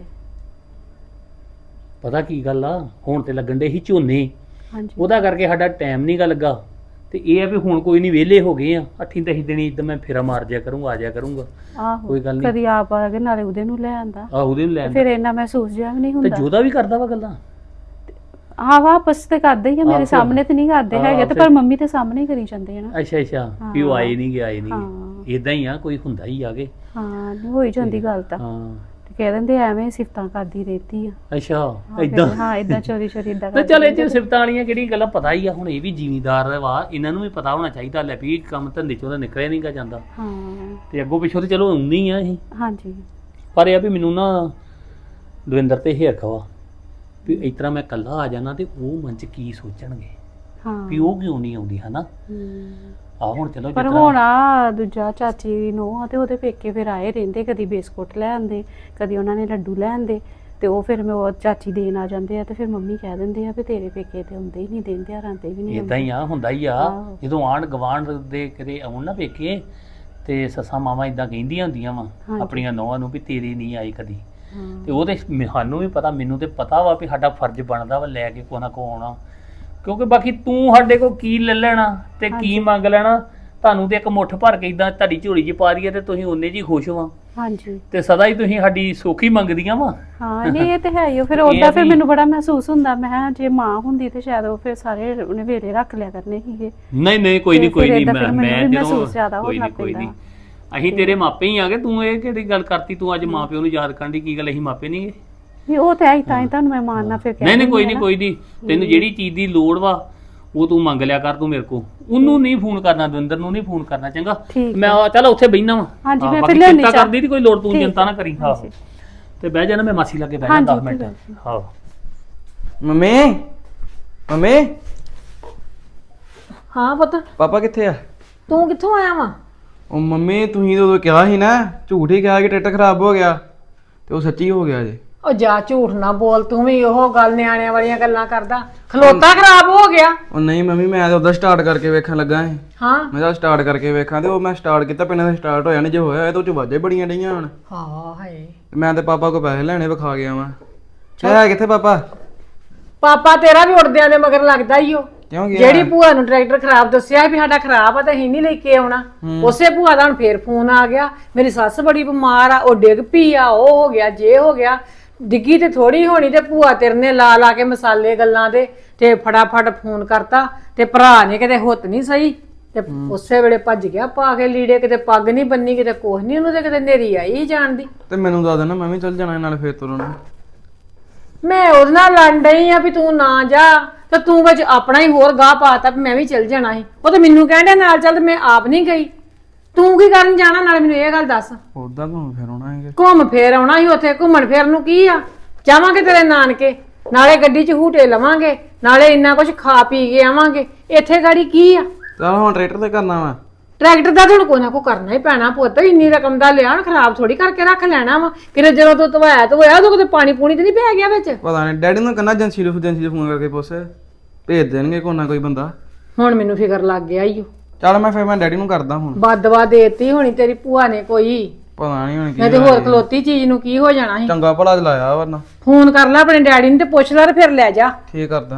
A: ਪਤਾ ਕੀ ਗੱਲ ਆ, ਹੁਣ ਤੇ ਲੱਗਣ ਦੇ ਸੀ ਝੋਨੇ,
C: ਹਾਂਜੀ
A: ਉਹਦਾ ਕਰਕੇ ਸਾਡਾ ਟਾਈਮ ਨਹੀਂ ਗਾ ਲੱਗਾ। ਤੇ ਇਹ ਆ ਵੀ ਹੁਣ ਕੋਈ ਨਹੀਂ, ਵਿਹਲੇ ਹੋ ਗਏ ਆ। 8-10 ਦਿਨ ਇਦਾਂ ਮੈਂ ਫੇਰਾ ਮਾਰ ਜਿਆ ਕਰੂੰਗਾ, ਆ ਜਾਇਆ ਕਰੂੰਗਾ।
C: ਆਹੋ
A: ਕੋਈ ਗੱਲ ਨਹੀਂ।
C: ਕਦੀ ਆਪ ਆ ਕੇ ਨਾਲੇ ਉਹਦੇ ਨੂੰ ਲੈ ਆਂਦਾ,
A: ਆਹ ਉਹਦੇ ਨੂੰ ਲੈਣ
C: ਫਿਰ ਇੰਨਾ ਮਹਿਸੂਸ ਜਿਹਾ ਵੀ ਨਹੀਂ
A: ਤੇ
C: ਹੁੰਦਾ।
A: ਜੋਦਾ ਵੀ ਕਰਦਾ ਵਾ ਗੱਲਾਂ।
C: ਹਾਂ ਵਾਪਸ ਤੇ ਕਰਦੇ ਹੀ ਆ, ਮੇਰੇ
A: ਆਹੋ।
C: ਸਾਹਮਣੇ ਤੇ ਨਹੀਂ ਕਰਦੇ
A: ਹਾਂ,
C: ਹੈਗੇ, ਤੇ
A: ਫਿਰ-
C: ਪਰ ਮੰਮੀ ਤੇ ਸਾਹਮਣੇ ਹੀ ਕਰੀ ਜਾਂਦੇ ਆ ਨਾ।
A: ਅੱਛਾ ਵੀ ਉਹ ਆਏ ਨਹੀਂ ਗਏ
C: ਹਾਂ।
A: ਇਦਾਂ ਹੀ ਆ, ਕੋਈ ਹੁੰਦਾ ਹੀ ਆਗੇ।
C: ਹਾਂ ਹੋ ਹੀ ਜਾਂਦੀ ਗੱਲ ਤਾਂ।
A: ਹਾਂ
C: ਤੇ ਕਹਿ ਦਿੰਦੇ ਐਵੇਂ ਸਿਫਤਾਂ ਕਰਦੀ ਰਹਿਤੀ ਆ।
A: ਅੱਛਾ
C: ਹਾਂ,
A: ਇਦਾਂ।
C: ਫਿਰ ਹਾਂ ਇਦਾਂ ਚੋਰੀ ਇਦਾਂ
A: ਤੇ ਚੱਲ ਇਹ ਚ ਸਿਫਤਾਂ ਵਾਲੀਆਂ ਕਿਹੜੀ ਗੱਲਾਂ, ਪਤਾ ਹੀ ਆ। ਹੁਣ ਇਹ ਵੀ ਜ਼ਿਮੀਂਦਾਰ ਵਾ, ਇਹਨਾਂ ਨੂੰ ਵੀ ਪਤਾ ਹੋਣਾ ਚਾਹੀਦਾ ਲੈ ਵੀ ਕੰਮ ਧੰਦੇ ਚੋਂ ਤਾਂ ਨਿਕਲਿਆ ਨਹੀਂਗਾ ਜਾਂਦਾ।
C: ਹਾਂ
A: ਤੇ ਅੱਗੋਂ ਪਿੱਛੋਂ ਤੇ ਚਲੋ ਆਉਂਦੀ ਆ ਅਸੀਂ,
C: ਹਾਂਜੀ
A: ਪਰ ਇਹ ਆ ਵੀ ਮੈਨੂੰ ਨਾ ਦਵਿੰਦਰ ਤੇ ਹੇਰਖਾ ਵਾ ਵੀ ਇਸ ਤਰ੍ਹਾਂ ਮੈਂ ਇਕੱਲਾ ਆ ਜਾਣਾ ਤੇ ਉਹ ਮਨ ਚ ਕੀ ਸੋਚਣਗੇ
C: ਹਾਂ
A: ਵੀ ਉਹ ਕਿਉਂ ਨਹੀਂ ਆਉਂਦੀ, ਹਨਾ। ਆ ਹੁਣ ਚਲੋ
C: ਪਰ
A: ਜਿਸ
C: ਹੁਣ
A: ਤਰ੍ਹਾਂ
C: ਆ ਦੂਜਾ ਚਾਚੀ ਨੂੰ ਆ ਤੇ ਉਹਦੇ ਪੇਕੇ ਫਿਰ ਆਏ ਰਹਿੰਦੇ, ਕਦੀ ਬਿਸਕੁਟ ਲੈ ਆਂਦੇ, ਕਦੀ ਉਹਨਾਂ ਨੇ ਲੱਡੂ ਲੈ ਆਂਦੇ, ਤੇ ਉਹ ਫਿਰ ਮੈਂ ਉਹ ਚਾਚੀ ਦੇਣ ਆ ਜਾਂਦੇ ਆ, ਤੇ ਫਿਰ ਮੰਮੀ ਕਹਿ ਦਿੰਦੇ ਆ ਵੀ ਤੇਰੇ ਪੇਕੇ ਤੇ ਆਉਂਦੇ ਹੀ ਨਹੀਂ, ਦਿਨ ਤਿਉਹਾਰਾਂ ਤੇ ਵੀ ਨਹੀਂ
A: ਇਦਾਂ ਹੀ ਆ, ਹੁੰਦਾ ਹੀ ਆ।
C: ਆਹੋ।
A: ਜਦੋਂ ਆਂਢ ਗਵਾਂਢ ਦੇ ਕਿਤੇ ਆਉਣ ਨਾ ਪੇਕੇ, ਤੇ ਸੱਸਾਂ ਮਾਵਾਂ ਇਦਾਂ ਕਹਿੰਦੀਆਂ ਹੁੰਦੀਆਂ ਵਾ
C: ਹਾਂਜੀ।
A: ਆਪਣੀਆਂ ਨੌਵਾਂ ਨੂੰ ਵੀ ਤੇਰੀ ਨਹੀਂ ਆਈ ਕਦੀ।
C: ਹਾਂ।
A: ਤੇ ਉਹ ਤੇ ਸਾਨੂੰ ਵੀ ਪਤਾ, ਮੈਨੂੰ ਤੇ ਪਤਾ ਵਾ ਵੀ ਸਾਡਾ ਫਰਜ਼ ਬਣਦਾ ਵਾ ਲੈ ਕੇ ਕੋ ਨਾ ਕੋ ਆਉਣਾ, ਕਿਉਂਕਿ ਬਾਕੀ ਤੂੰ ਸਾਡੇ ਕੋਲ ਕੀ ਲੈ ਲੈਣਾ ਤੇ ਕੀ ਮੰਗ ਲੈਣਾ। ਤੁਹਾਨੂੰ ਤੇ ਇੱਕ ਮੁੱਠ ਭਰ ਕੇ ਇਦਾਂ ਤੁਹਾਡੀ ਝੋਲੀ 'ਚ ਪਾ ਦਈਏ ਤੇ ਤੁਸੀਂ ਉਹਨੇ ਜੀ ਖੁਸ਼ ਹੋ।
C: ਹਾਂਜੀ
A: ਤੇ ਸਦਾ ਹੀ ਤੁਸੀਂ ਸਾਡੀ ਸੋਖੀ ਮੰਗਦੀਆਂ ਵਾ।
C: ਹਾਂ ਨਹੀਂ ਇਹ ਤੇ ਹੈ ਹੀ ਆ। ਫਿਰ
A: ਇਹ
C: ਉਹਦਾ
A: ਆ
C: ਫਿਰ
A: ਵੀ-
C: ਮੈਨੂੰ ਬੜਾ ਮਹਿਸੂਸ ਹੁੰਦਾ, ਮੈਂ ਕਿਹਾ ਜੇ ਮਾਂ ਹੁੰਦੀ ਤੇ ਸ਼ਾਇਦ ਉਹ ਫਿਰ ਸਾਰੇ ਉਹਨੇ ਵੇਲੇ ਰੱਖ ਲਿਆ ਕਰਨੇ ਸੀਗੇ।
A: ਨਹੀਂ ਕੋਈ
C: ਤੇ
A: ਨਹੀਂ
C: ਫਿਰ ਏਦਾਂ
A: ਮੈਂ
C: ਫਿਰ ਮੈਨੂੰ ਵੀ
A: ਜਦੋਂ
C: ਮਹਿਸੂਸ ਜ਼ਿਆਦਾ
A: ਕੋਈ
C: ਹੋਣਾ
A: ਨਹੀਂ ਕੋਈ ਨਹੀਂ,
C: ਪੈਂਦਾ।
A: ਅਸੀਂ ਤੇਰੇ ਮਾਪੇ ਹੀ ਆਗੇ। ਤੂੰ ਇਹ ਕਿਹੜੀ ਗੱਲ ਕਰਤੀ, ਤੂੰ ਅੱਜ ਮਾਂ ਪਿਓ ਨੂੰ ਯਾਦ ਕਰਨ ਦੀ ਕੀ ਗੱਲ, ਅਸੀਂ ਮਾਪੇ ਨਹੀਂਗੇ।
C: ਨਹੀਂ ਉਹ ਤੇ ਆਈ ਤਾਂ ਹੀ ਤੁਹਾਨੂੰ ਮੈਂ ਮਾਰਨਾ ਫਿਰ ਕਹਿ
A: ਨਹੀਂ ਕੋਈ
C: ਦਿੰਦੀ
A: ਨਹੀਂ
C: ਆ
A: ਕੋਈ ਨਹੀਂ, ਤੈਨੂੰ ਜਿਹੜੀ ਚੀਜ਼ ਦੀ ਲੋੜ ਵਾ ਉਹ ਤੂੰ ਮੰਗ ਲਿਆ ਕਰ ਤੂੰ ਮੇਰੇ ਕੋ। ਉਹਨੂੰ ਨਹੀਂ ਫੋਨ ਕਰਨਾ, ਦਵਿੰਦਰ ਨੂੰ ਨਹੀਂ ਫੋਨ ਕਰਨਾ, ਚੰਗਾ।
C: ਠੀਕ
A: ਮੈਂ ਚੱਲ ਉੱਥੇ ਬਹਿਣਾ ਵਾ।
C: ਹਾਂਜੀ, ਮੈਂ
A: ਬਾਕੀ
C: ਫਿਰ ਲਿਆਉਣੀ
A: ਚਿੰਤਾ
C: ਚਾਹ।
A: ਕਰਦੀ ਦੀ ਕੋਈ ਲੋੜ, ਤੂੰ
C: ਠੀਕ
A: ਚਿੰਤਾ ਨਾ ਕਰੀ। ਹਾਂ
C: ਹਾਂਜੀ।
A: ਤੇ ਬਹਿ ਜਾਣਾ, ਮੈਂ ਮਾਸੀ ਲੱਗੇ ਬਹਿ
C: ਹਾਂਜੀ,
A: ਜਾ 10 ਮਿੰਟ।
C: ਠੀਕ ਹੈ।
A: ਹਾਂ
G: ਮੰਮੀ
B: ਹਾਂ ਪੁੱਤ,
G: ਪਾਪਾ ਕਿੱਥੇ ਆ?
B: ਤੂੰ ਕਿੱਥੋਂ ਆਇਆ ਵਾ?
G: ਉਹ ਮੰਮੀ ਤੁਸੀਂ ਤਾਂ ਉਦੋਂ ਕਿਹਾ ਸੀ ਨਾ, ਝੂਠ ਹੀ ਕਿਹਾ ਕਿ ਟਿੱਟ ਖਰਾਬ ਹੋ ਗਿਆ, ਤੇ ਉਹ ਸੱਚੀ ਹੋ ਗਿਆ ਜੇ।
B: ਉਹ ਜਾ ਝੂਠ ਨਾ ਬੋਲ, ਤੂੰ ਵੀ ਉਹ ਗੱਲ ਨਿਆਣਿਆਂ ਵਾਲੀਆਂ ਗੱਲਾਂ ਕਰਦਾ। ਖਲੋਤਾ ਖਰਾਬ ਹੋ ਗਿਆ।
G: ਉਹ ਨਹੀਂ ਮੰਮੀ, ਮੈਂ ਤਾਂ ਉਦੋਂ ਸਟਾਰਟ ਕਰਕੇ ਵੇਖਣ ਲੱਗਾ ਸੀ।
B: ਹਾਂ
G: ਮੈਂ ਤਾਂ ਸਟਾਰਟ ਕਰਕੇ ਵੇਖਾਂ, ਤੇ ਉਹ ਮੈਂ ਸਟਾਰਟ ਕੀਤਾ, ਪਿੰਨਾਂ ਦਾ ਸਟਾਰਟ ਹੋਇਆ ਨਹੀਂ, ਜੇ ਹੋਇਆ ਤਾਂ ਉਹ ਚ ਵਾਜੇ ਬੜੀਆਂ ਡਈਆਂ ਹੁਣ।
B: ਹਾਂ ਹਾਏ,
G: ਤੇ ਮੈਂ ਤੇ ਪਾਪਾ ਕੋ ਪੈਸੇ ਲੈਣੇ ਵਿਖਾ ਗਿਆ ਵਾਂ। ਹੈ ਕਿੱਥੇ ਪਾਪਾ?
B: ਪਾਪਾ ਤੇਰਾ ਵੀ ਉੜਦਿਆਂ ਦੇ ਮਗਰ ਲੱਗਦਾ ਈ ਓ।
G: ਕਿਉਂ ਗਿਆ?
B: ਜਿਹੜੀ ਭੂਆ ਨੂੰ ਟਰੈਕਟਰ ਖਰਾਬ ਦੱਸਿਆ ਵੀ ਸਾਡਾ ਖਰਾਬ ਆ ਤਾਂ ਅਸੀਂ ਨਹੀਂ ਲੈ ਕੇ ਆਉਣਾ, ਉਸੇ ਭੂਆ ਦਾ ਹੁਣ ਫੇਰ ਫੋਨ ਆ ਗਿਆ, ਮੇਰੀ ਸੱਸ ਬੜੀ ਬਿਮਾਰ ਆ, ਉਹ ਡਿੱਗ ਪਈ ਆ, ਉਹ ਹੋ ਗਿਆ ਜੇ ਹੋ ਗਿਆ। ਡਿੱਗੀ ਤੇ ਥੋੜੀ ਹੋਣੀ, ਤੇ ਭੂਆ ਤੇਰੇ ਨੇ ਲਾ ਕੇ ਮਸਾਲੇ ਗੱਲਾਂ ਦੇ ਤੇ ਫਟਾਫਟ ਫੋਨ ਕਰਤਾ, ਤੇ ਭਰਾ ਨੇ ਕਿਤੇ ਹੁੱਤ ਨਹੀਂ ਸਹੀ, ਤੇ ਉਸੇ ਵੇਲੇ ਭੱਜ ਗਿਆ ਪਾ ਕੇ ਲੀੜੇ, ਕਿਤੇ ਪੱਗ ਨਹੀਂ ਬੰਨੀ, ਕਿਤੇ ਕੁਛ ਨਹੀਂ, ਉਹਨੂੰ ਤੇ ਕਿਤੇ ਨੇਰੀ ਆਈ ਜਾਣਦੀ।
G: ਤੇ ਮੈਨੂੰ ਦੱਸ ਦੇਣਾ, ਮੈਂ ਵੀ ਚੱਲ ਜਾਣਾ ਨਾਲ ਫੇਰ ਤੁਰਨ।
B: ਮੈਂ ਉਹਦੇ ਨਾਲ ਲੜ ਡਈ ਆ ਵੀ ਤੂੰ ਨਾ ਜਾ, ਤੇ ਤੂੰ ਵਿੱਚ ਆਪਣਾ ਹੀ ਹੋਰ ਗਾਹ ਪਾਤਾ ਵੀ ਮੈਂ ਵੀ ਚੱਲ ਜਾਣਾ ਸੀ। ਉਹ ਤੇ ਮੈਨੂੰ ਕਹਿੰਦੇ ਨਾਲ ਚੱਲ, ਤੇ ਮੈਂ ਆਪ ਨਹੀਂ ਗਈ। ਤੂੰ ਕੀ ਕਰਨ ਜਾਣਾ? ਨਾਲੇ ਮੈਨੂੰ ਇਹ ਗੱਲ ਦੱਸ।
G: ਉਦਾਂ ਘੁੰਮ ਫਿਰ ਆਉਣਾ ਹੈਗਾ।
B: ਘੁੰਮ ਫੇਰ ਆਉਣਾ ਸੀ ਉੱਥੇ, ਘੁੰਮਣ ਫੇਰਨ ਨੂੰ ਕੀ ਆ? ਜਾਵਾਂਗੇ ਤੇਰੇ ਨਾਨਕੇ, ਨਾਲੇ ਗੱਡੀ 'ਚ ਹੂਟੇ ਲਵਾਂਗੇ, ਨਾਲੇ ਇੰਨਾ ਕੁਝ ਖਾ ਪੀ ਕੇ ਆਵਾਂਗੇ। ਇੱਥੇ ਗਾੜੀ ਕੀ ਆ?
G: ਚੱਲ ਹੁਣ ਟਰੈਕਟਰ ਤੇ ਕਰਨਾ ਵਾ।
B: ਟਰੈਕਟਰ ਦਾ ਤੁਹਾਨੂੰ ਕੋਈ ਨਾ ਕੋਈ ਕਰਨਾ ਹੀ ਪੈਣਾ ਪੁੱਤ, ਇੰਨੀ ਰਕਮ ਦਾ ਲਿਆ, ਖਰਾਬ ਥੋੜੀ ਕਰਕੇ ਰੱਖ ਲੈਣਾ ਵਾ। ਕਿਤੇ ਜਦੋਂ ਤੂੰ ਧਵਾਇਆ ਧੋਇਆ ਉਦੋਂ ਕਿਤੇ ਪਾਣੀ ਪੂਣੀ ਤੇ ਨਹੀਂ ਪੈ ਗਿਆ ਵਿੱਚ?
G: ਪਤਾ ਨਹੀਂ, ਡੈਡੀ ਨੂੰ ਕਹਿੰਦਾ ਏਜੰਸੀ ਨੂੰ ਫੋਨ ਕਰਕੇ ਪੁੱਛ, ਭੇਜ ਦੇਣਗੇ ਕੋਈ ਨਾ ਕੋਈ ਬੰਦਾ।
B: ਹੁਣ ਮੈਨੂੰ ਫਿਕਰ ਲੱਗ ਗਿਆ ਈ ਓ।
G: ਚੱਲ ਮੈਂ ਫਿਰ ਮੈਂ ਡੈਡੀ ਨੂੰ ਕਰਦਾ ਹੁਣ।
B: ਬਦਵਾ ਦੇਤੀ ਹੋਣੀ ਤੇਰੀ ਭੂਆ ਨੇ ਕੋਈ।
G: ਪਤਾ ਨਹੀਂ ਹੁਣ ਕੀ
B: ਨਹੀਂ ਤੇ
G: ਹੋਇਆ
B: ਹੋਰ
G: ਜੀ।
B: ਖਲੋਤੀ ਚੀਜ਼ ਨੂੰ ਕੀ ਹੋ ਜਾਣਾ ਸੀ।
G: ਚੰਗਾ ਭਲਾ ਲਾਇਆ ਵਰਨਾ।
B: ਫੋਨ ਕਰ ਲੈ ਆਪਣੇ ਡੈਡੀ ਨੂੰ ਤੇ ਪੁੱਛ ਲੈ ਤੇ ਫਿਰ ਲੈ ਜਾ।
G: ਠੀਕ ਕਰਦਾ।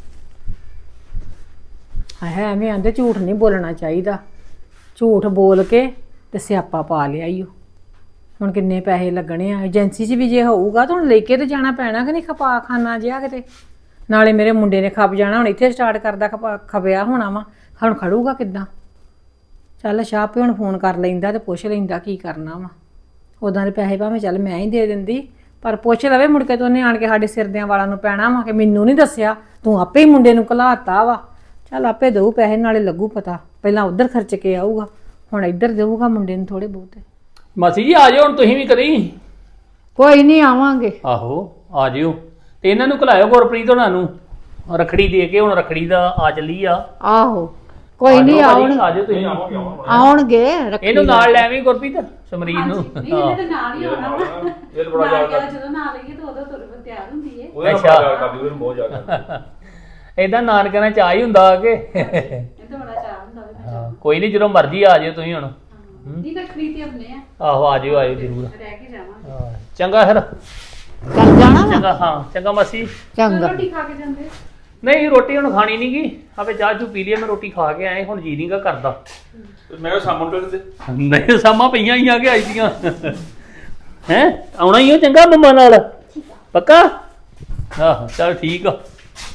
B: ਹੈ ਐਵੇਂ ਆਂਦੇ ਝੂਠ ਨਹੀਂ ਬੋਲਣਾ ਚਾਹੀਦਾ। ਝੂਠ ਬੋਲ ਕੇ ਤੇ ਸਿਆਪਾ ਪਾ ਲਿਆ ਈ ਓ। ਹੁਣ ਕਿੰਨੇ ਪੈਸੇ ਲੱਗਣੇ ਆ ਏਜੰਸੀ 'ਚ ਵੀ ਜੇ ਹੋਊਗਾ ਤਾਂ ਹੁਣ ਲੈ ਕੇ ਤੇ ਜਾਣਾ ਪੈਣਾ ਕਿ ਨਹੀਂ ਖਪਾ ਖਾਨਾ ਜਿਹਾ ਕਿਤੇ। ਨਾਲੇ ਮੇਰੇ ਮੁੰਡੇ ਨੇ ਖਪ ਜਾਣਾ ਹੁਣ ਇੱਥੇ ਸਟਾਰਟ ਕਰਦਾ ਖਪਿਆ ਹੋਣਾ ਵਾ ਹੁਣ ਖੜੂਗਾ ਕਿੱਦਾਂ। ਚੱਲ ਸ਼ਾਹ ਪਿਓ ਹੁਣ ਫੋਨ ਕਰ ਲੈਂਦਾ ਤੇ ਪੁੱਛ ਲੈਂਦਾ ਕੀ ਕਰਨਾ ਵਾ। ਉਦਾਂ ਦੇ ਪੈਸੇ ਭਾਵੇਂ ਚੱਲ ਮੈਂ ਹੀ ਦੇ ਦਿੰਦੀ ਪਰ ਪੁੱਛ ਲਵੇ ਮੁੜ ਕੇ ਤਾਂ ਉਹਨੇ ਆਣ ਕੇ ਸਾਡੇ ਸਿਰਦਿਆਂ ਵਾਲਾਂ ਨੂੰ ਪੈਣਾ ਵਾ ਕਿ ਮੈਨੂੰ ਨਹੀਂ ਦੱਸਿਆ ਤੂੰ ਆਪੇ ਹੀ ਮੁੰਡੇ ਨੂੰ ਘਲਾਤਾ ਵਾ। ਚੱਲ ਆਪੇ ਦਊ ਪੈਸੇ ਨਾਲੇ ਲੱਗੂ ਪਤਾ। ਪਹਿਲਾਂ ਉੱਧਰ ਖਰਚ ਕੇ ਆਊਗਾ ਹੁਣ ਇੱਧਰ ਦੇਊਗਾ ਮੁੰਡੇ ਨੂੰ ਥੋੜੇ ਬਹੁਤੇ।
A: ਮਾਸੀ ਜੀ ਆ ਜਾਓ ਹੁਣ ਤੁਸੀਂ ਵੀ ਕਰੀ।
B: ਕੋਈ ਨਹੀਂ ਆਵਾਂਗੇ।
A: ਆਹੋ ਆ ਜਿਓ ਤੇ ਇਹਨਾਂ ਨੂੰ ਘਲਾਇਓ ਗੁਰਪ੍ਰੀਤ ਹੋਣਾ ਨੂੰ ਰਖੜੀ ਦੇ ਕੇ। ਹੁਣ ਰਖੜੀ ਦਾ ਆ ਚੱਲੀ ਆ।
B: ਆਹੋ ਕੋਈ ਨਹੀਂ
A: ਆ ਜਾਓ ਤੁਸੀਂ।
B: ਆਉਣਗੇ।
A: ਇਹਨੂੰ ਨਾਲ ਲੈ ਆਵੀਂ ਗੁਰਪ੍ਰੀਤ ਸਮਰੀਤ ਨੂੰ।
C: ਇਹਨੇ ਤਾਂ ਨਾਲ ਹੀ ਆਉਣਾ ਵਾ।
F: ਇਹ ਤਾਂ ਬੜਾ ਯਾਦ ਕਰਦੀ
C: ਜਦੋਂ ਨਾਲ ਲਈਏ ਤਾਂ ਉਦੋਂ ਤੁਰ ਤਿਆਰ ਹੁੰਦੀ ਏ।
F: ਉਹਦਾ ਬੜਾ ਯਾਦ ਕਰਦੀ ਉਹਨੂੰ ਬਹੁਤ ਯਾਦ ਕਰਦੀ।
A: ਏਦਾਂ ਨਾਨਕਿਆਂ ਨਾਲ ਚਾਹ ਹੀ ਹੁੰਦਾ ਕਿ
C: ਇਹ ਤਾਂ ਬੜਾ ਚਾਹ ਹੁੰਦਾ ਵੇ।
A: ਕੋਈ ਨਹੀਂ ਜਦੋਂ ਮਰਜ਼ੀ ਆ ਜਿਓ ਤੁਸੀਂ ਹੁਣ।
C: ਨਹੀਂ ਤਾਂ ਖਰੀਦ ਆਪਣੇ ਆ
A: ਆਹੋ ਆ ਜਿਓ ਆਇਓ ਜ਼ਰੂਰ।
C: ਰਹਿ ਕੇ ਜਾਵਾਂਗੇ।
A: ਹਾਂ, ਚੰਗਾ ਫਿਰ
B: ਚੱਲ ਜਾਣਾ
A: ਚੰਗਾ। ਹਾਂ ਚੰਗਾ ਮਾਸੀ।
B: ਚੰਗਾ।
C: ਰੋਟੀ ਖਾ ਕੇ ਜਾਂਦੇ।
A: ਨਹੀਂ ਰੋਟੀ ਹੁਣ ਖਾਣੀ ਨੀ ਗੀ। ਆਪੇ ਚਾਹ ਚੂ ਪੀ ਲਈ ਮੈਂ ਰੋਟੀ ਖਾ ਕੇ ਆਏ ਹੁਣ ਜੀ ਨੀ ਗਾ ਕਰਦਾ।
F: ਮੈਂ ਕਿਹਾ ਸਾਮਣ ਟੋਲ ਦੇ
A: ਨਹੀਂ ਸਾਮਾਂ ਪਈਆਂ ਹੀ ਆ ਕੇ ਆਈ ਦੀਆਂ ਹੈ ਆਉਣਾ ਹੀ ਹੋ ਚੰਗਾ ਮੰਮਾ ਨਾਲ ਪੱਕਾ। ਆਹੋ ਚੱਲ ਠੀਕ ਆ।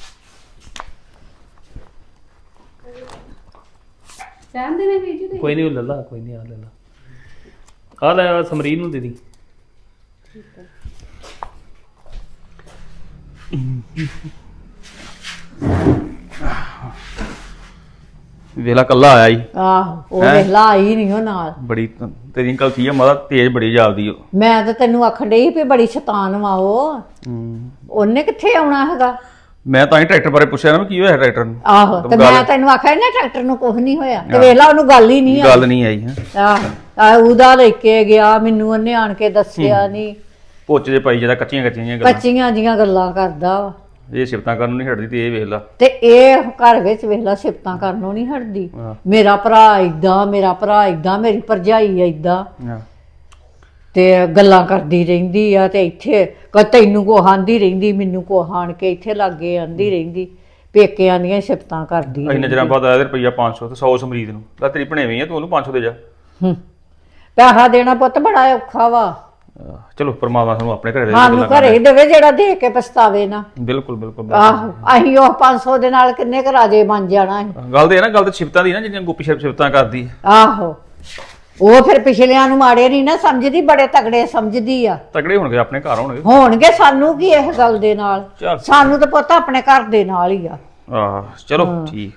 C: ਰਹਿਣ ਦੇ ਨੇ ਵੀਰ ਜੀ।
A: ਕੋਈ ਨਹੀਂ ਲੈ ਲਾ ਕੋਈ ਨਹੀਂ ਆ ਲੈ ਲਾ ਆ ਲੈ ਆਹ ਸਮਰੀਨ ਨੂੰ ਦੇ ਦੀ।
G: ਵੇਲਾ ਕੱਲਾ ਆਇਆ ਈ।
H: ਆਹੋ ਉਹ
G: ਹੈਂ?
H: ਵੇਖਲਾ ਆਈ ਨਹੀਂ ਉਹ ਨਾਲ।
G: ਬੜੀ ਤੇਰੀ ਗਲਤੀ ਆ ਮਾਦਾ ਤੇਜ਼ ਬੜੀ ਜਾਪਦੀ ਓ।
H: ਮੈਂ ਤਾਂ ਤੈਨੂੰ ਆਖਣ ਡਈ ਵੀ ਬੜੀ ਸ਼ੈਤਾਨ ਵਾ ਉਹ। ਉਹਨੇ ਕਿੱਥੇ ਆਉਣਾ ਹੈਗਾ।
G: ਮੈਂ ਤਾਂ ਹੀ ਟਰੈਕਟਰ ਬਾਰੇ ਪੁੱਛਿਆ ਨਾ ਕੀ ਹੋਇਆ ਟਰੈਕਟਰ ਨੂੰ।
H: ਆਹੋ ਤੇ ਮੈਂ ਤੈਨੂੰ ਆਖਿਆ ਨਾ ਟਰੈਕਟਰ ਨੂੰ ਕੁਝ ਨਹੀਂ ਹੋਇਆ ਤੇ ਵੇਖਲਾ ਉਹਨੂੰ ਗੱਲ ਹੀ ਨਹੀਂ ਆਈ।
G: ਗੱਲ ਨਹੀਂ ਆਈ ਹੈ।
H: ਆਹ ਉਹਦਾ ਲੈ ਕੇ ਗਿਆ ਮੈਨੂੰ ਉਹਨੇ ਆਣ ਕੇ ਦੱਸਿਆ ਨਹੀਂ।
G: ਪੁੱਛ ਜੇ ਪਾਈ ਜਿਹੜਾ ਕੱਚੀਆਂ ਕੱਚੀਆਂ ਗੱਲਾਂ।
H: ਕੱਚੀਆਂ ਜੀਆਂ ਗੱਲਾਂ ਕਰਦਾ ਵਾ
G: ਇਹ ਸਿਫਤਾਂ ਕਰਨ ਨੂੰ ਨਹੀਂ ਹਟਦੀ ਤੇ ਇਹ ਵੇਖ ਲਾ।
H: ਤੇ ਇਹ ਘਰ ਵਿੱਚ ਵੇਖਲਾ ਸਿਫਤਾਂ ਕਰਨੋਂ ਨਹੀਂ ਹਟਦੀ।
G: ਹਾਂ।
H: ਮੇਰਾ ਭਰਾ ਏਦਾਂ ਮੇਰਾ ਭਰਾ ਏਦਾਂ ਮੇਰੀ ਭਰਜਾਈ ਏਦਾਂ
G: ਹਾਂ।
H: ਤੇ ਗੱਲਾਂ ਕਰਦੀ ਰਹਿੰਦੀ ਆ ਤੇ ਇੱਥੇ ਤੈਨੂੰ ਕੋ ਆਂਦੀ ਰਹਿੰਦੀ ਮੈਨੂੰ ਕੋ ਆਣ ਕੇ ਇੱਥੇ ਲਾਗੇ ਆਂਦੀ ਰਹਿੰਦੀ ਪੇਕਿਆਂ ਦੀਆਂ ਸਿਫਤਾਂ ਕਰਦੀ
G: ਇੰਨੇ ਚਿਰਾਂ ਬਾਅਦ ਆਇਆ ਤੇ ਰੁਪਈਆ 500 ਤੇ 100 ਸਮਰੀਤ ਨੂੰ ਤਾਂ ਤੇਰੀ ਭਣੇਵੀਂ ਆ ਤੂੰ ਉਹਨੂੰ 500 ਦੇ ਜਾ।
H: ਪੈਸਾ ਦੇਣਾ ਪੁੱਤ ਬੜਾ ਔਖਾ ਵਾ।
G: ਚਲੋ ਪਰਮਾਤਮਾ ਸਾਨੂੰ ਆਪਣੇ ਘਰੇ ਦੇ
H: ਸਾਨੂੰ ਘਰੇ ਹੀ ਦੇਵੇ ਜਿਹੜਾ ਦੇ ਕੇ ਪਛਤਾਵੇ ਨਾ।
G: ਬਿਲਕੁਲ ਬਿਲਕੁਲ
H: ਆਹੋ ਅਸੀਂ ਉਹ 500 ਦੇ ਨਾਲ ਕਿੰਨੇ ਕੁ ਰਾਜੇ ਬਣ ਜਾਣਾ ਹੈ।
G: ਗੱਲ ਤੇ ਇਹ ਨਾ ਗੱਲ ਤੇ ਸਿਫਤਾਂ ਦੀ ਨਾ ਜਿਹੜੀਆਂ ਗੁੱਪੀ ਸਿਫਤਾਂ ਕਰਦੀ ਹੈ।
H: ਆਹੋ ਉਹ ਫਿਰ ਪਿਛਲਿਆਂ ਨੂੰ ਮਾੜੇ ਨਹੀਂ ਨਾ ਸਮਝਦੀ ਬੜੇ ਤਗੜੇ ਸਮਝਦੀ ਆ।
G: ਤਗੜੇ ਹੋਣਗੇ ਆਪਣੇ ਘਰ
H: ਹੋਣਗੇ ਸਾਨੂੰ ਕੀ ਇਸ ਗੱਲ ਦੇ ਨਾਲ।
G: ਚੱਲ।
H: ਸਾਨੂੰ ਤਾਂ ਪੁੱਤ ਆਪਣੇ ਘਰ ਦੇ ਨਾਲ ਹੀ ਆ।
G: ਆਹ ਚਲੋ ਠੀਕ।